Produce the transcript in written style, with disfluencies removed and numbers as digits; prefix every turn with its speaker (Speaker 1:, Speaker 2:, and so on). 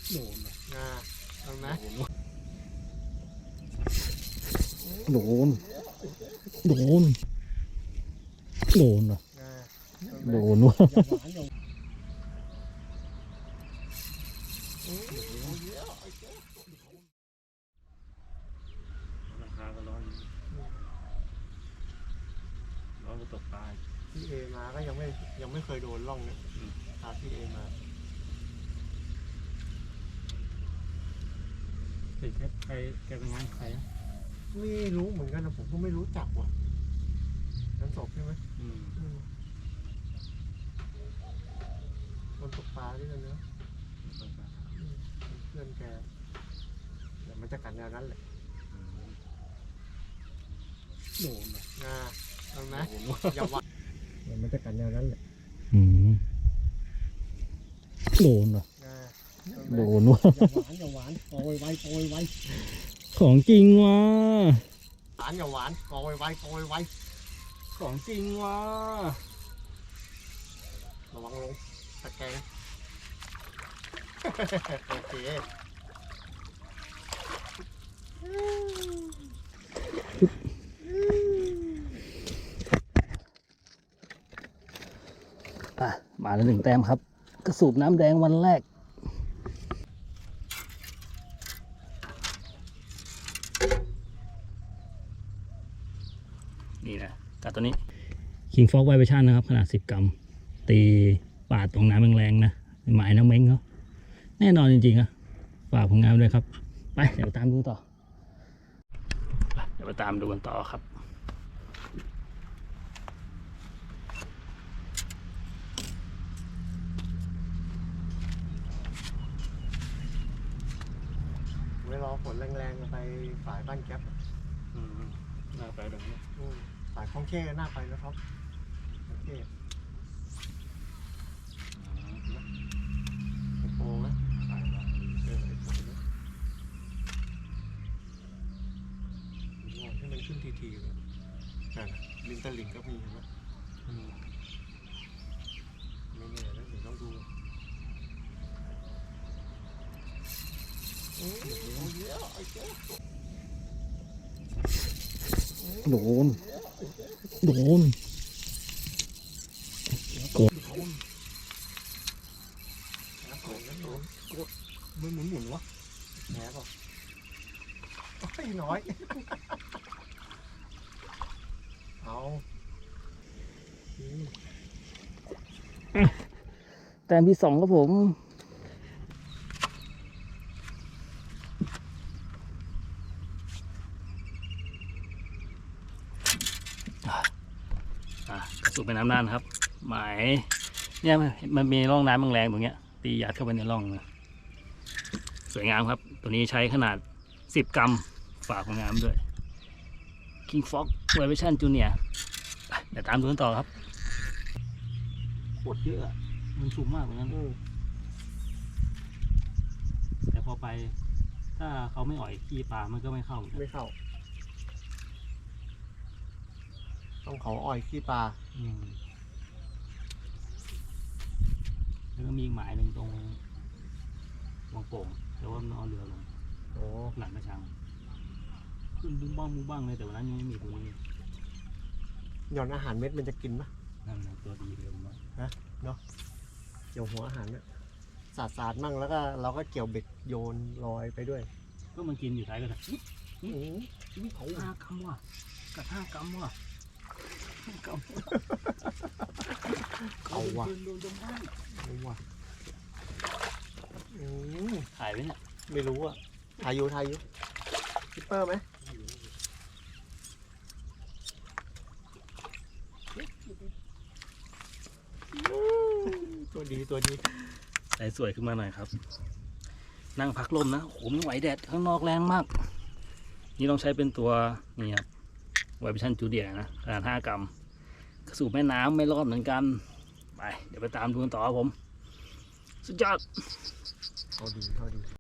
Speaker 1: โดนโดนไหม
Speaker 2: โดนโดนโดนเหรอโดนวะ
Speaker 3: ราคาก็ร้อนก็ตกปลา
Speaker 1: พี่เอมาก็ยังไม่เคยโดนล่องเนี่ยตามพี่เอมา
Speaker 3: ติดใครแกเป็นงานใคร
Speaker 1: ไม่รู้เหมือนกันนะผมก็ไม่รู้จักว่ะนั้นศพใช่ไหมคนตกปลาด้วยกันเนอะเพื่อนแกแต่มันจะกันแนวนั้นแหละโดนโดนไหมอย่าวัดมันจะกันแนวนั้นแหละ
Speaker 2: โดนเหรอโดนวะ
Speaker 1: อย่าหวานโปรยไว้
Speaker 2: ของจริงวะ
Speaker 1: หวานอย่าหวานโปรยไว้
Speaker 2: ของจริงวะ
Speaker 1: ระวังลงตะแกรงโอเค
Speaker 2: มาแล้ว1 แต้มครับกระสูบน้ำแดงวันแรกนี่นะกัดตัวนี้ King Fox Vibration นะครับขนาด10 กรัมตีปาดตรงน้ำแรงๆนะหมายน้ำเม้งเขาแน่นอนจริงๆอะฝากผลงานด้วยครับไปเดี๋ยวตามดูต่อเดี๋ยวไปตามดูกันต่อครับ
Speaker 1: ไว้รอฝนแรงๆไปฝ่ายบ้านแก๊ป
Speaker 3: น่าไปแบบนี้
Speaker 1: ฝ่ายคลองเข้น่าไปนะครับคลองเข้โอ้ไหมไอ้โป้นะให้มันขึ้นทีๆเลยนั่นลิงตะลิงก็มีเห็นไหมไม่แน่นะเดี๋ยวต้องดู
Speaker 2: โดนโดนกด
Speaker 1: มันหมุนวะแหนป่ะไม่น้อยเอา
Speaker 2: แต้มที่2ครับผมกระสุนเป็นน้ำน่านครับหมายเนี่ยมันมีร่องน้ำแรงๆตรงเนี้ยตียัดเข้าไปในร่องนะสวยงามครับตัวนี้ใช้ขนาด10 กรัมฝากของงามด้วย King Fox Vibration Junior เดี๋ยวตามดูกันต่อครับโคตรเยอะมันชุ่มมากเหมือนกันแต่พอไปถ้าเขาไม่อ่อยขี้ปลามันก็ไม่เข้า
Speaker 1: ต้องเขาอ่อยขี้ปลา
Speaker 2: แล้วก็มีอีกหมายหนึ่งตรงวังโป่งแต่ว่ามันเอาเรือลงหลังกระชังขึ้นบุ้งบ้างเลยแต่วันนั้นยังไม่มีตรงนี้
Speaker 1: หย่อนอาหารเม็ดมันจะกินปะ
Speaker 2: นั่นตัวดีเลยมั้ง
Speaker 1: เนาะเกี่ยวหัวอาหารเนี่ยสาดมั่งแล้วก็เราก็เกี่ยวเบ็ดโยนลอยไปด้วย
Speaker 2: ก็มันกินอยู่ท้ายกระชัง
Speaker 1: นี่เขา
Speaker 2: 5 กรัมว่ะกัด5 กรัมว่ะ
Speaker 1: เอาว่ะ
Speaker 2: ถ่ายไว้เนี่ย
Speaker 1: ไม่รู้อ่ะถ่ายอยู่คิปเปอร์ไหมตัวดี
Speaker 2: ใส่สวยขึ้นมาหน่อยครับนั่งพักลมนะโหไม่ไหวแดดข้างนอกแรงมากนี่ต้องใช้เป็นตัวนี่ครับVibration Juniorนะขนาด5 กรัมกระสูบแม่น้ำไม่รอดเหมือนกันไปเดี๋ยวไปตามดูกันต่อครับผมสุดยอด
Speaker 1: เท่าดี